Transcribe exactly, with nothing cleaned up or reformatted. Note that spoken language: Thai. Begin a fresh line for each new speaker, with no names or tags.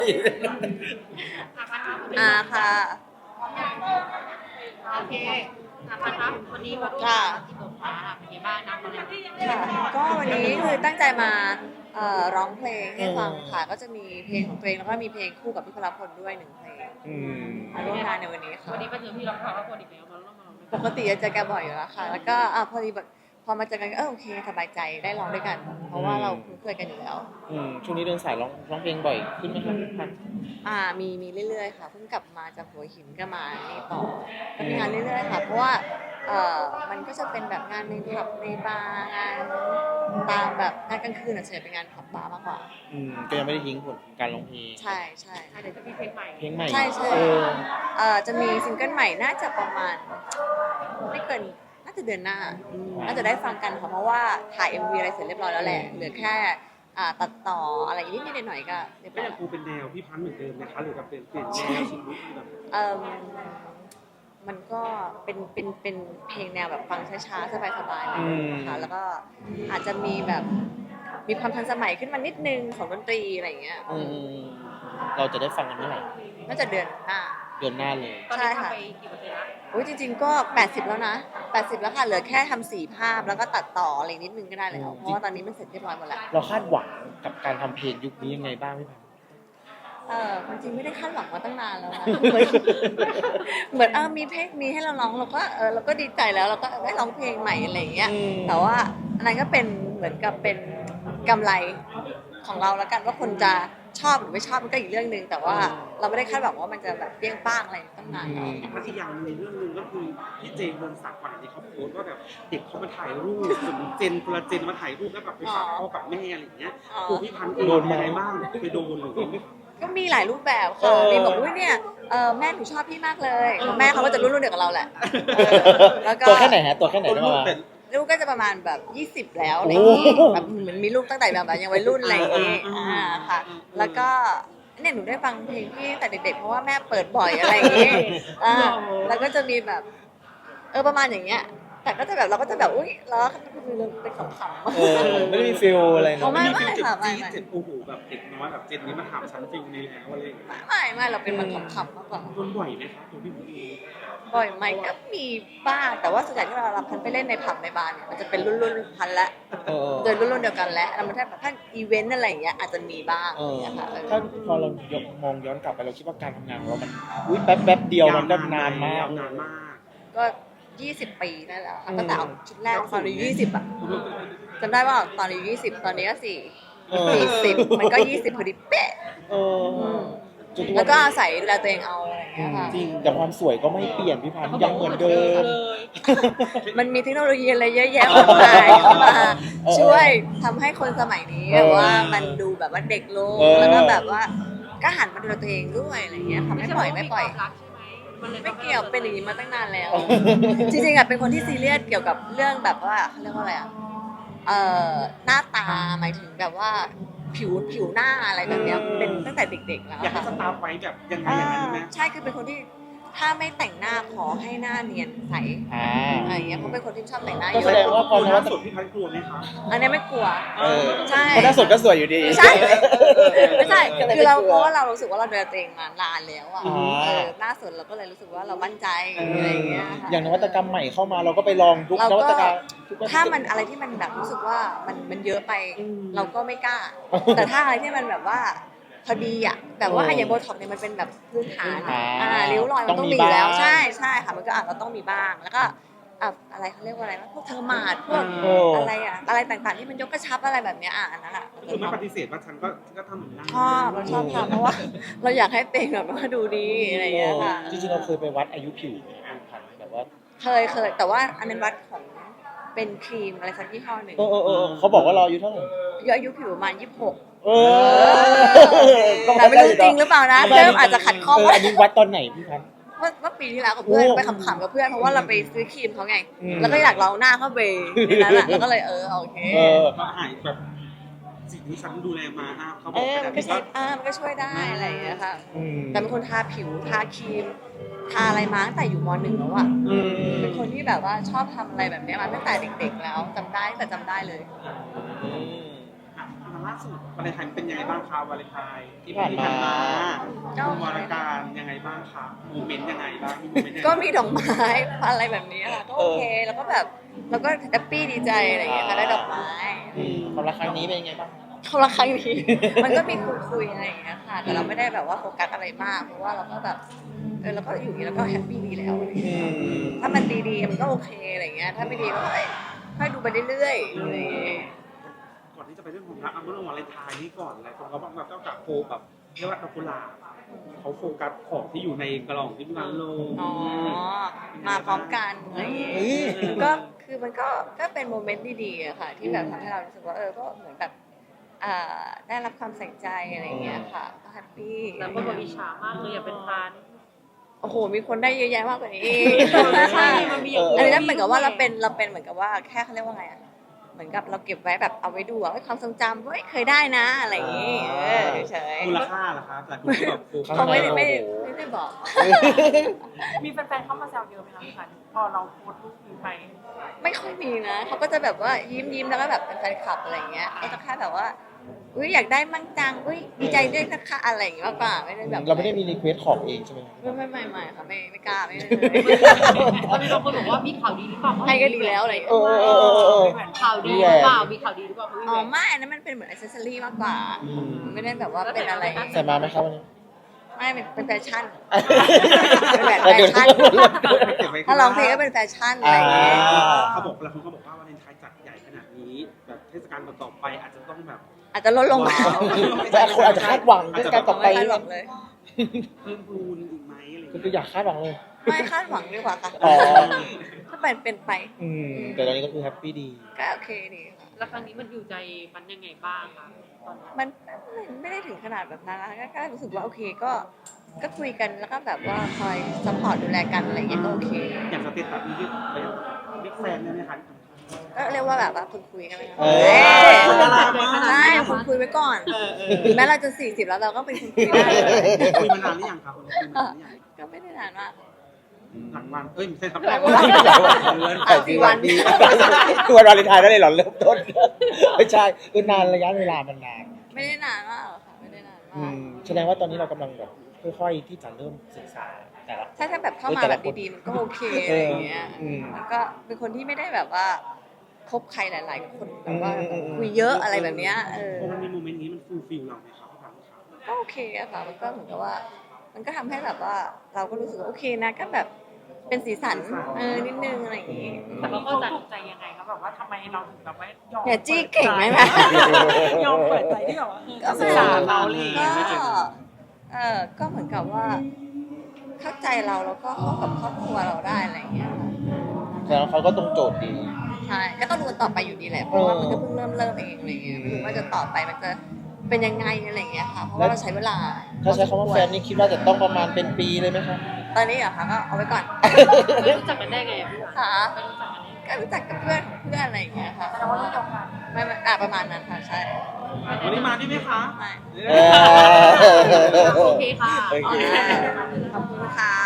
อ่าค่ะ
โอเคนะคะวันนี้มาร่วม
ค่ะ
งานจิตตกฟ้าค่ะเป็นไงบ้างนะวันนี้
ค่ะก็วันนี้คือตั้งใจมาเอ่อร้องเพลงให้ฟังค่ะ ก็จะมีเพลงของตัวเองแล้วก็มีเพลงคู่กับพี่พลพลด้วยหนึ่งเพลง
อืม
มาร่วมงานในวันนี้ค่ะ
วันนี้มาเจอพี่ร้องเพลงคนอีกแล้วมาร่วมมาร้องเพลง
ปกติจะเจอแกบ่อยอยู่แล้วค่ะ แล้วก็อ่ะพอดีแบบพอมาเจอกันก็เออโอเคสบายใจได้ร้องด้วยกัน เพราะว่าเราคุ้นเคยกันอยู่แล้ว
อืมช่วงนี้เดินสายร้องร้องเพลงบ่อยขึ้นไหมครับพี่พันธุ์
อ่ามีมีเรื่อยๆค่ะเพิ่งกลับมาจากหัวหินก็มานี่ต่อก็มีงานเรื่อยๆค่ะเพราะว่าเอ่อมันก็จะเป็นแบบงานในผับในบาร์งานตามแบบงานกลางคืนอ่ะส่วนใหญ่เป็นงานผับบาร์มากกว่า
อืมก็ยังไม่ได้ทิ้งผลการร้องเพลง
ใช่ใช่
เดี๋ยวจะมีเพลงใหม่
เพลงใหม่
ใช่ใช่
เออ
เอ่อจะมีซิงเกิลใหม่น่าจะประมาณไม่เกินน่าจะเดือนหน้าน่าจะได้ฟังกันค่ะเพราะว่าถ่าย เอ็ม วี อะไรเสร็จเรียบร้อยแล้วแหละเหลือแค่อ่าตัดต่ออะไรนิดนิดหน่อยๆก็เรียบ
ก็
ร้อย
ยังคงเป็นแนวพี่พันธุ์เหมือนเดิมนะคะหรือแบบเปลี่ยนเปลี่ยนแนวชีวิตแบบ
เอ่มมันก็เป็นเป็นเป็นเพลงแนวแบบฟังช้าๆสบายๆหน่อยนะคะแล้วก็อาจจะมีแบบมีความทันสมัยขึ้นมานิดนึงของดนตรีอะไรอย่างเงี้ย
อืมเราจะได้ฟังกันเมื่อไหร่
น่าจะเดือนหน้า
เดือนหน้าเลย
ตอนนี้ทำไปกี่เปอร์เซ็นต์ละ
โอ้ยจริงๆก็แปดสิบแล้วนะแปดสิบแล้วค่ะเหลือแค่ทำสีภาพแล้วก็ตัดต่ออะไรนิดนึงก็ได้แล้วเพราะว่าตอนนี้มันเสร็จเรียบร้อยหมดแล้ว
เราคาดหวังกับการทำเพลงยุคนี้ยังไงบ้างพี่พันธุ์
เออความจริงไม่ได้คาดหวังมาตั้งนานแล้วนะ เหมือนเหมือนเออมีเพลงมีให้เราร้องเราก็เออเราก็ดีใจแล้วเราก็ได้ร้องเพลงใหม่อะไรอย่างเงี้ย
อืม
แต่ว่าอันนั้นก็เป็นเหมือนกับเป็นกำไรของเราแล้วกันว่าคนจะชอบหรือไม่ชอบมันก็อีกเรื่องหนึ่งแต่ว่าเราไม่ได้คาดหวังว่ามันจะแบบเปรี้ยงป้างอะไรตั้งนานแล้ว
มันอีกอย่างหนึ่งในเรื่องหนึงก็คือพี่เจมส์วงศักดิ์วันนี้เขาโพสต์ว่าแบบเด็กเขามาถ่ายรูปเหมือนเจนคนละเจนมาถ่ายรูปแล้วแบบไปฝากพ่อกับแม่อะไรอย่างเงี้ยตัวพี่พันธุ์โดนอะไรบ้างไปโดนหรือ
ก็มีหลายรูปแบบค่ะมีบอกว่าเนี่ยเออแม่หนูชอบพี่มากเลยแม่เขาก็จะรุ่นรุ่นเดียวกับเราแหละเออแล้วก็
ตัวแค่ไหนฮะตัวแค่ไหนได้มา
ลูกก็จะประมาณแบบยี่สิบแล้วอะไรอย่างงี้
โอ้
แบบเหมือนมีลูกตั้งแต่แบบยังวัยรุ่นอะไรอย่างงี้อ่าค่ะ แล้วก็เนี่ยหนูได้ฟังเพลงพี่แต่เด็กๆเพราะว่าแม่เปิดบ่อยอะไรอย่างงี้อ่าแล้วก็จะมีแบบเออประมาณอย่างเงี้ยแต่ก็จะแบบเราก็จะแบบอุ้ยแล้วคือเป็นขำๆ
เออไม่ได้มีฟิลอะไร
เขา
เนาะ
ไม่
มี
ไม่
เจ็บ
ค่ะไม่
จี๊ด
ไม่
เจ็บโอ้โหแบบเด็กน้อยแบบเจนนี้มาถามฉันฟิลนี้แล้วอะไรอย่างเงี้ย
ไม่ไม่เราเป็นมันขำๆมากกว่า
โดนบ่อยไหมครับตัวพี่พันธุ์เอง
บ่อยไหมก็มีบ้างแต่ว่าส่วนใหญ่ที่เรารับพันไปเล่นในผับในบาร์เนี่ยมันจะเป็นรุ่นรุ่นๆพันละ
เออ
เดินรุ่นรุ่นๆเดียวกันแล้วแล้วมันถ้าแบบท่านอีเวนต์อะไรอย่างเงี้ยอาจจะมีบ้าง
เออ
นะคะเออ
ถ้าพอเรายกมองย้อนกลับไปเราคิดว่าการทำงานของเรามันอุ้ยแป๊บแป๊บเดียวมันก็นานมาก
นานมาก
ก็ยี่สิบปีนั่นแหละค่ะ
อืม
ตั้งแต่เอาชุดแรกตอนอายุยี่สิบอะจำได้ว่าตอนอายุยี่สิบตอนนี้ก็สี่
เออ
สี่สิบมันก็ยี่สิบพอดีเป๊ะ
เออจนทุ
แล้วก็
น
อาศัยดูแลตัวเองเอาอะไรอย่างเงี้ยค่ะ
จริงแต่ความสวยก็ไม่เปลี่ยนพี่พันธุ์ยังเหมือนเดิม
มันมีเทคโนโลยีอะไรเยอะแยะมากมายเข้ามาช่วยทำให้คนสมัยนี้แบบว่ามันดูแบบว่าเด็กลง
เออ
แล้วก็แบบว่าก็หันมาดูแลตัวเองด้วยอะไรอย่างเงี้ยค่ะไม่ปล่อยไม่ปล่อย
รักใช่ไหมมันเลย
ไม่เกี่ยวเป็นอย่างนี้มาตั้งนานแล้ว จริงๆอะเป็นคนที่ซีเรียสเกี่ยวกับเรื่องแบบว่าเขาเรียกว่าอะไรอะเอ่อหน้าตาหมายถึงแบบว่าผิวผิวหน้าอะไรแบบเนี้ยเป็นตั้งแต่เด็กๆแล้ว
อยากให้
ค่ะ
สตาร์ฟไว้แบบยังไงอย่างนั้นไหม
ใช่คือเป็นคนที่ถ้าไม่แต่งหน้าขอให้หน้าเนียนใส
อ่า
อะไรอย่างเงี้ยเพราะเป็นคนที่ชอบแต่งหน้าเย
ก็
อะ
แสดงว่าพอ
คน
น
ล่า
วัต
สุดพี่พันธุ์กลัวไหมคะ
อันนี้ไม่กลัว
เออ
ใช่
เพราะหน้าสดก็สวยอยู่ดี
ใช่ไม่ใช่
ก็เลยไม่
คือเรา
กลัว
เพราะว่าเรารู้สึกว่าเราดูแลตัวเองมานานแล้วอ่ะ
อ่า
เออหน้าสดเราก็เลยรู้สึกว่าเรามั่นใจอะไรอย่างเงี้ยค่ะ
อย่างนวัตกรรมใหม่เข้ามาเราก็ไปลองทุก
เรา
นวั
ก็
ตกรรมทุก
ถ้ามันอะไรที่มันแบบรู้สึกว่ามันมันเยอะไปเราก็ไม่กล้า แต่ถ้าอะไรที่มันแบบว่าพอดีอ่ะแบบว่าอย่างโบท็อกซ์เนี่ยมันเป็นแบบพื้นฐานอ่าริ้วรอยมันต้องมีอยู่แล้วใช่ใช่ค่ะมันก็อาจจะต้องมีบ้างแล้วก็อ่ะอะไรเขาเรียกว่าอะไรวะพวกเทอร์มาดพวก
โอ้
อะไรอ่ะอะไรต่างๆที่มันยกกระชับอะไรแบบเนี้ยอ่ะอันนั้นอ่ะ
ก็คือไม่ปฏิเสธว่าฉันก็ก็ทำเหมือนกัน
ชอบเราชอบทำเพราะว่าเราอยากให้เต็งแบบว่าดูดีอะไรอย่างเงี้ยค่ะ
จริงๆเราเคยไปวัดอายุผิวไหมพันธุ์แบบว่า
เคยเคยแต่ว่าอันนั้นวัดของเป็นครีมอะไรสักยี่ห้อหนึ่ง
เออเออเออเขาบอกว่าเราอายุเท่าไหร่
อายุผิวประมาณยี่สิบหก
เออ
แต่ไม่รู้จริงหรือเปล่านะเริ่มอาจจะขัดข้อง
เออ
ว่า
อันนี้วัดตอนไหนพี่พันธุ์
เมื่อเมื่อปีที่แล้วกับเพื่อน
โอ้
ไปขำๆกับเพื่อนเพราะว่าเราไปซื้อครีมเขาไง
อืม
แล้วก็อยากลองหน้าเข้าไปในนั้นอ่ะแล้วก็เลยเออโอเค
เออ
มาหายแบบสิ่งที่ฉันดูแลมาอ่ะเขาบ
เอ
อก
อ
ไป
มัน
แต่
ก็
พี่
ช่
ก็
วยอ่ามันก็ช่วยได้อะไรอย่างเงี้ยค่ะ
อืม
แต่เป็นคนทาผิวทาครีมทาอะไรมาตั้งแต่อยู่มหนึ่งแล้วอ่ะ
อืม
เป็นคนที่แบบว่าชอบทำอะไรแบบเนี้ยมาตั้งแต่เด็กๆแล้วจำได้แต่จำได้เลย
อืม
อ่ะทำล่าสุดวาเลนไทน์เป็นยังไงบ้างคะวาเลนไทน์
ที่ผ่านมา
ก็วาระการยังไงบ้างคะโมเมนต์ยังไงบ้างมีโมเมนต์ยังไง
ก็มีดอกไม้อะไรแบบนี้ค่ะก็โอเคแล้วก็แบบเราก็แฮปปี้ดีใจอะไรอย่างเงี้ยค่ะได้ดอกไม้
อืมความรักครั้งนี้เป็นยังไงบ้าง
เขาละครั้งนี้ มันก็มีคุยคุยๆอะไรอย่างเงี้ยค่ะ แต่เราไม่ได้แบบว่าโฟกัสอะไรมาก เพราะว่าเราก็แบบเออเราก็อยู่อย่างนี้แล้วก็แฮปปี้ดีแล้วอะไรอย่าง
อื
เงี้ย
ม
ถ้ามันดีๆมันก็โอเคอะไรอย่างเงี้ยถ้าไม่ดีก็ค่อยค่อยดูไปเรื่อยๆอะไรอย่างเงี้ย
ก่อนที่จะไปเรื่องของรักเอาเรื่องวาเลนไทน์นี่ก่อนหลายคนก็บอกแบบเจ้ากับโฟแบบเรียกว่าดอกกุหลาบเขาโฟกัสของที่อยู่ในกล่องที่มันลง
อ๋อมาพร้อมกันอะไรอย่างเงี้ย
เฮ้ย
ก็คือมันก็ก็เป็นโมเมนต์ดีๆอะค่ะ ที่แบบทำให้เรารู้สึกว่าเออก็เหมือนแบบอ่าได้รับความใส่ใจอะไรอย่างเงี้ยค่ะก็แฮปปี้
แล้วก็บอกอิจฉามากเลยอยากเป็นพัน
โอ้โหมีคนได้เยอะแยะมากกว่านี้
ใช่มันมีอย่าง
อันนี้นั่นเหมือนกับว่าเราเป็นเราเป็นเหมือนกับว่าแค่เขาเรียกว่าไงอะเหมือนกับเราเก็บไว้แบบเอาไว้ดูอะให้ความทรงจำว่าเฮ้ยเคยได้นะอะไรอย่างงี้เออเฉย
มูลค่าเหรอครับแต่คุณก็แบบโฟ
ๆ
กัส
เขาไม่ได้
โอ้โห
ไม่ได้ไม่ได้บอก
มีแฟนๆเข้ามาแซวเยอะไหมคะพี่พันพอเราโพสต์รูปนี้ไป
ไม่ค่อยมีนะเขาก็จะแบบว่ายิ้มยิ้มๆแล้วก็แบบเป็นแฟนคลับอะไรอย่างเงี้ยก็จะแค่แบบว่าอุ้ยอยากได้มั่งจังอุ้ยดีใจด้วยนะคะอะไรอย่างเงี้ยมากกว่าไม่ได้แบบ
เราไม่ได้มีรีเควสของเองใช่ไหม
ไม่ไม่ไม่ไม่ค่ะไม่ไม่กล้าไม่เลย
ตอนนี้บางคนบอกว่ามีข่าวดีหรือเปล่า
ให้ก็ดีแล้วอะไรอย่าง
เอ
เงี้ย
อเออเออเออเออ
ข่าวดีหรือเปล่ามีข่าวดีหรือเปล่าพี่
อ๋อ
แหวน
ไม่อันนั้นมันเป็นเหมือนอิเซอรี่มากกว่า
อืม
ไม่ได้แบบว่าเป็นอะไร
ใส่มาไหมครับวันนี้
ไม่เป็นเป็นแฟชั่น เป็นแบบแฟชั่น ถ้าร้องเพลงก็เป็นแฟชั่นอะไรอย่างเงี้ย
เขาบอกแล้วเขาก็บอกว่าวาเลนไทน์จัดใหญ่ขนาดนี้แบบเทศกาลต่อๆไปอาจจะต้องแบบ
อาจจะลดลงมา
แต่คนอาจจะคาดหวังเรื่องการต่อไป
ไม่คาดหวังเลย
เพิ่มพูนอีกไหมอะไรอย่าง
ก็
เงี้ย
คืออยากคาดหวังเลย
ไม่คาดหวังดีกว่าค่ะ
อ๋อ
ถ้าเป็นเป็นไป
อืมแต่ตอนนี้ก็คือแฮปปี้ดี
ก็โอเคดีค่ะ
แล้วครั้งนี้มันอยู่ใจมันยังไงบ้างคะตอนนี้
มันไม่ไม่ได้ถึงขนาดแบบนั้นนะก็แค่รู้สึกว่าโอเคก็ก็คุยกันแล้วก็แบบว่าคอยซัพพอร์ตดูแลกันอะไรอย่างเงี้ยก็โอเค
อย่างสเตตัสนี้เป็นบิ๊กแฟนได้ไหมคะ
ก็เรียกว่าแบบว่าคุยคุยกันไปก่อน
เอ้ย
เอ้ย
คนละลายมาก
ใช่คุยคุยไว้ก่อน
เออเออ
ถึงแม้เราจะสี่สิบแล้วเราก็เป็นคุยคุยได้เลย
คุยมานานหรือยังครับคุยมานานหรือยัง
ก็ไม่ได้นานมาก
หลังวันเอ้ยไม่ใช่ครับ
หลังวัน
เดือน
อ่ะสี่วัน
คือวันวาเลนไทน์ได้เลยเหรอเริ่มต้นไม่ใช่คือนานระยะเวลามันนาน
ไม่ได้นานมากหรอกค่ะไม่ได้นาน
อื
มาก
มแสดงว่าตอนนี้เรากำลังแบบค่อยๆที่จะเริ่มศึกษาแต่ละ
ถ้าถ้าแบบเข้ามาแบบดีๆมันก็โอเคอะไรอย่างเงี้ย
อืม
แล้วก็เป็นคนที่ไม่ได้แบบว่าคบใครหลาย ๆ คนแบบว่า
อืมอืมอืม
คุยเยอะอะไรแบบเนี้ยเออ
พอมันมีโมเมนต์นี้มันฟูลฟิลเราไหมครับพี่พันธ์ครับ
ก็โอเคอะค่ะมันก็เหมือนกับว่า มันก็ทำให้แบบว่าเราก็รู้สึกว่าโอเคนะก็แบบเป็นสีสันเออนิดนึงอะไรอย่างงี้
แต่เขาก็
เขา
จะ
ถูกใจยังไงครับแบบว่าทำไมเราถึงแบบว่ายอม
อย่าจี้เก่งไหม
ยอมเปิดใจที่แบบว่า
ก็
ศึกษาเราเลย
ก็เออก็เหมือนกับว่า เข้าใจเราแล้วก็เข้ากับครอบครัวเราได้อะไรอย่างเงี้ยค่ะ
แต่เขาก็ตรงโจทย์ดี
ใช่ก็ต้องดูกันต่อไปอยู่ดีแหละเพราะว่ามันก็เพิ่งเริ่มเริ่มเองอะไรเงี้ยไม่รู้ว่าจะต่อไปมันจะเป็นยังไงอะไรเงี้ยค่ะเพราะว่าเราใช้เวลา
ถ้าใช้คำว่าแฟนนี่คิดว่าจะต้องประมาณเป็นปีเลยไหมครับ
ตอนนี้เหรอคะก็เอาไว้ก่อน
ไม่รู้จักกันได้ไงอะพี่หวาน
ค่ะ
ไม่รู้จักกันได้ไง
ก็รู้จักกับเพื่อนของเพื่อนอะไรอย่างเงี้ยค่ะ
แสดงว่ารุ่นเดียวกัน
ไม่ไม่อ่ะประมาณนั้นค่ะใช่
วันนี้มาได้ไหมคะ
ไม่
เออ
โอเคค่ะ
โอเค
ขอบคุณค่ะ